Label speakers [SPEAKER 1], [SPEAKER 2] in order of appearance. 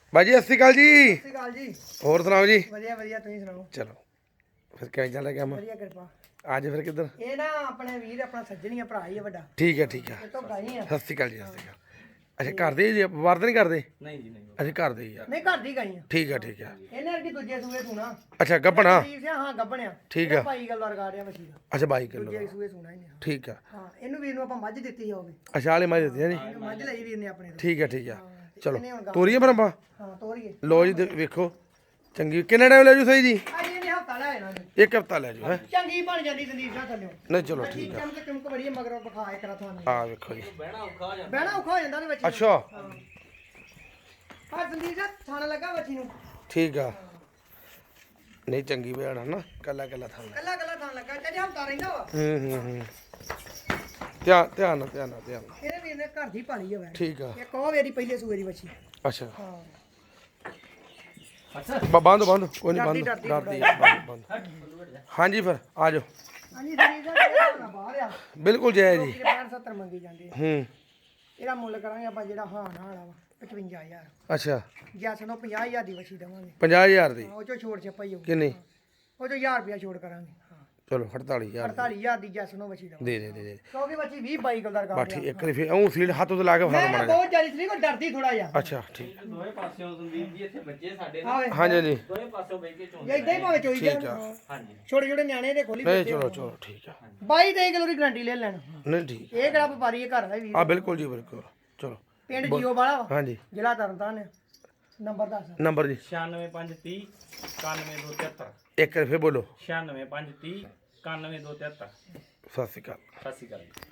[SPEAKER 1] ਬਾਜੀ ਸਤਿ ਸ਼੍ਰੀ ਅਕਾਲ ਜੀ।
[SPEAKER 2] ਸਤਿ ਸ਼੍ਰੀ ਅਕਾਲ ਜੀ।
[SPEAKER 1] ਹੋਰ ਸੁਣਾਓ ਜੀ।
[SPEAKER 2] ਵਧੀਆ ਵਧੀਆ, ਤੁਸੀਂ ਸੁਣਾਓ।
[SPEAKER 1] ਚਲੋ ਫਿਰ ਕਿਵੇਂ ਚੱਲ ਰਿਹਾ ਕੰਮ?
[SPEAKER 2] ਵਧੀਆ ਕਿਰਪਾ।
[SPEAKER 1] ਅੱਜ ਫਿਰ ਕਿੱਧਰ?
[SPEAKER 2] ਇਹ ਨਾ ਆਪਣੇ ਵੀਰ ਆਪਣਾ ਸੱਜਣੀ ਆ, ਭਰਾ ਹੀ ਆ ਵੱਡਾ।
[SPEAKER 1] ਠੀਕ ਹੈ ਠੀਕ ਹੈ।
[SPEAKER 2] ਇਹ ਤੋਂ ਗਾਈ ਆ।
[SPEAKER 1] ਸਤਿ ਸ਼੍ਰੀ ਅਕਾਲ ਜੀ। ਸਤਿ ਸ਼੍ਰੀ ਅਕਾਲ। ਅੱਛਾ ਘਰ ਦੇ ਜੀ, ਵਰਤ ਨਹੀਂ ਕਰਦੇ?
[SPEAKER 3] ਨਹੀਂ ਜੀ ਨਹੀਂ।
[SPEAKER 1] ਅਸੀਂ ਘਰ ਦੇ ਹੀ ਆ।
[SPEAKER 2] ਨਹੀਂ, ਘਰ ਦੀ ਗਾਈ ਆ।
[SPEAKER 1] ਠੀਕ ਹੈ ਠੀਕ ਹੈ।
[SPEAKER 2] ਇਹਨੇ ਅਰਗੀ ਦੂਜੇ ਸੂਏ ਸੂਣਾ।
[SPEAKER 1] ਅੱਛਾ ਗੱਭਣਾ?
[SPEAKER 2] ਹਾਂ ਗੱਭਣਿਆ।
[SPEAKER 1] ਠੀਕ ਆ।
[SPEAKER 2] ਭਾਈ ਗੱਲ ਵਰਗਾ ਰਿਹਾ ਵਸੀ ਦਾ।
[SPEAKER 1] ਅੱਛਾ 22 ਕਿਲੋ
[SPEAKER 2] ਦੂਜੇ ਸੂਏ ਸੂਣਾ ਇਹਨੇ।
[SPEAKER 1] ਠੀਕ ਆ।
[SPEAKER 2] ਹਾਂ, ਇਹਨੂੰ ਵੀਰ ਨੂੰ ਆਪਾਂ ਮੱਝ ਦਿੱਤੀ ਹੋਵੇ।
[SPEAKER 1] ਅੱਛਾ ਵਾਲੇ ਮਾਈ ਦਿੱਤੀ ਹੈ ਜੀ।
[SPEAKER 2] ਇਹਨੂੰ ਮੱਝ ਲਈ ਵੀਰ ਨੇ ਆਪਣੇ ਤੋਂ।
[SPEAKER 1] ਠੀਕ ਹੈ ਠੀਕ ਹੈ। ਚਲੋ
[SPEAKER 2] ਇਹਨੇ ਹੁਣ
[SPEAKER 1] ਤੋਰੀਏ ਫਿਰ ਆਪਾਂ।
[SPEAKER 2] ਹਾਂ, ਤੋਰੀਏ।
[SPEAKER 1] ਲੋ ਜੀ ਵੇਖੋ ਚੰਗੀ। ਕਿੰਨਾ ਟਾਈਮ ਲੈ ਜੂ ਸਹੀ ਜੀ?
[SPEAKER 2] ਅੱਜ ਇਹਨੇ ਹਫਤਾ ਲੈ ਆਣਾ ਜੀ।
[SPEAKER 1] ਇੱਕ ਹਫਤਾ ਲੈ ਜੂ ਹੈ।
[SPEAKER 2] ਚੰਗੀ ਬਣ ਜਾਂਦੀ ਸੰਦੀਪ ਸਾਹਿਬ ਥੱਲੇ।
[SPEAKER 1] ਨਹੀਂ ਚਲੋ ਠੀਕ ਆ।
[SPEAKER 2] ਚਮਕ ਬੜੀ ਮਗਰੋਂ ਵਿਖਾ ਇੱਕ ਰਾ ਤੁਹਾਨੂੰ।
[SPEAKER 1] ਆ ਵੇਖੋ ਜੀ।
[SPEAKER 3] ਬਹਿਣਾ ਔਖਾ ਹੋ ਜਾਂਦਾ।
[SPEAKER 2] ਬਹਿਣਾ ਔਖਾ ਹੋ ਜਾਂਦਾ ਉਹਦੇ ਵਿੱਚ।
[SPEAKER 1] ਅੱਛਾ
[SPEAKER 2] ਹਾਂ ਸੰਦੀਪ ਸਾਹਿਬ ਥਾਣਾ ਲੱਗਾ ਬੱਚੀ ਨੂੰ।
[SPEAKER 1] ਠੀਕ ਆ। ਨਹੀਂ ਚੰਗੀ ਭੈਣ ਨਾ, ਕੱਲਾ ਕੱਲਾ ਥਾਂ।
[SPEAKER 2] ਕੱਲਾ ਕੱਲਾ ਥਾਂ ਲੱਗਾ, ਚਾਹੇ ਹਫਤਾ ਰਹਿੰਦਾ ਵਾ।
[SPEAKER 1] ਹੂੰ ਧਿਆਨ ਧਿਆਨ ਨਾਲ ਧਿਆਨ ਨਾਲ ਧਿਆਨ ਨਾਲ।
[SPEAKER 2] ਇਹਨੇ ਵੀਰ ਨੇ ਘਰ ਦੀ ਪਾਲੀ ਆ ਵੈ।
[SPEAKER 1] ਠੀਕ ਆ।
[SPEAKER 2] ਇੱਕ ਉਹ ਵੇਰੀ ਪਹਿਲੇ ਸੂਏ ਦੀ ਬੱਚੀ।
[SPEAKER 1] ਅੱਛਾ
[SPEAKER 2] ਹਾਂ।
[SPEAKER 3] ਅੱਛਾ
[SPEAKER 1] ਬੰਦ ਬੰਦ ਕੋਈ ਨਹੀਂ ਬੰਦ
[SPEAKER 2] ਡਰਦੀ
[SPEAKER 1] ਡਰਦੀ ਬੰਦ। ਹਾਂਜੀ ਫਿਰ ਆ ਜਾਓ।
[SPEAKER 2] ਹਾਂਜੀ ਸੰਦੀਪ ਸਾਹਿਬ ਨਾ ਬਾਹਰ ਆ।
[SPEAKER 1] ਬਿਲਕੁਲ ਜੈ ਜੀ।
[SPEAKER 2] 65 ਮੰਗੀ ਜਾਂਦੇ ਆ।
[SPEAKER 1] ਹੂੰ
[SPEAKER 2] ਇਹਦਾ ਮੁੱਲ ਕਰਾਂਗੇ ਆਪਾਂ ਜਿਹੜਾ ਹਾਂ ਨਾ ਵਾਲਾ ਵਾ 55000।
[SPEAKER 1] ਅੱਛਾ
[SPEAKER 2] ਜੈਸ ਨੂੰ 50000 ਦੀ ਬੱਚੀ ਦੇਵਾਂਗੇ।
[SPEAKER 1] 50000 ਦੀ?
[SPEAKER 2] ਹਾਂ, ਉਹ ਚੋਂ ਛੋੜ ਛਪਾਈ ਹੋਊ।
[SPEAKER 1] ਕਿੰਨੀ?
[SPEAKER 2] ਉਹ ਚੋਂ 1000 ਰੁਪਇਆ ਛੋੜ ਕਰਾਂਗੇ। ਹਾਂ,
[SPEAKER 1] ਚਲੋ 48000
[SPEAKER 2] 48000 ਦੀ ਜੈਸ ਨੂੰ ਬੱਚੀ ਦੇਵਾਂਗੇ।
[SPEAKER 1] ਦੇ
[SPEAKER 2] ਕਿਉਂਕਿ ਬੱਚੀ 20 22 ਕਿਲੋ ਦਾ
[SPEAKER 1] ਬਾ
[SPEAKER 2] ਰਿਕਾਰਡ
[SPEAKER 1] ਠੀਕ ਇੱਕ ਵਾਰੀ ਫਿਰ ਉਹ ਸੀਲ ਹੱਥ ਤੋਂ ਲਾ ਕੇ ਫੜਾ
[SPEAKER 2] ਮੈਂ
[SPEAKER 1] ਮਾੜਾ
[SPEAKER 2] ਬਹੁਤ ਜਾਰੀ ਸੀ, ਕੋਈ ਡਰਦੀ ਥੋੜਾ ਜਿਹਾ।
[SPEAKER 1] ਅੱਛਾ ਠੀਕ।
[SPEAKER 3] ਦੋਵੇਂ ਪਾਸਿਓਂ ਸੰਦੀਪ ਜੀ ਇੱਥੇ ਬੱਚੇ ਸਾਡੇ
[SPEAKER 2] ਹਾਂ
[SPEAKER 3] ਨਾਲ
[SPEAKER 1] ਹਾਂਜੀ ਜੀ
[SPEAKER 3] ਦੋਵੇਂ ਪਾਸਿਓਂ ਬਹਿ ਕੇ
[SPEAKER 2] ਜੇ
[SPEAKER 3] ਚੋਂਦੇ
[SPEAKER 2] ਇਦਾਂ ਹੀ ਭਾਵੇਂ ਚੋਈ
[SPEAKER 1] ਠੀਕ
[SPEAKER 2] ਜਾ।
[SPEAKER 1] ਆ।
[SPEAKER 3] ਹਾਂਜੀ
[SPEAKER 2] ਛੋਟੇ ਛੋਟੇ ਨਿਆਣੇ ਦੇ ਖੋਲੀ
[SPEAKER 1] ਨਹੀਂ ਚਲੋ ਚਲੋ ਠੀਕ ਆ।
[SPEAKER 2] 22 23 ਕਿਲੋ ਦੀ ਗਰੰਟੀ ਲੈ ਲੈਣ।
[SPEAKER 1] ਨਹੀਂ ਠੀਕ
[SPEAKER 2] ਇਹ ਕਿਹੜਾ ਵਪਾਰੀ ਹੈ, ਘਰ ਦਾ ਵੀਰ।
[SPEAKER 1] ਆ ਬਿਲਕੁਲ ਜੀ ਬਿਲਕੁਲ। ਚਲੋ
[SPEAKER 2] ਪਿੰਡ ਜੀਓ ਵਾਲਾ ਵਾ,
[SPEAKER 1] ਹਾਂਜੀ
[SPEAKER 2] ਜ਼ਿਲ੍ਹਾ ਤਰਨਤਾਰਨ। ਨੰਬਰ ਦੱਸ।
[SPEAKER 1] ਨੰਬਰ ਜੀ
[SPEAKER 3] 96530 91273
[SPEAKER 1] ਇੱਕ ਵਾਰੀ ਫਿਰ ਬੋਲੋ।
[SPEAKER 3] 96530 91273
[SPEAKER 1] ਸਤਿ ਸ਼੍ਰੀ ਅਕਾਲ।
[SPEAKER 3] ਸਤਿ ਸ਼੍ਰੀ ਅਕਾਲ ਜੀ।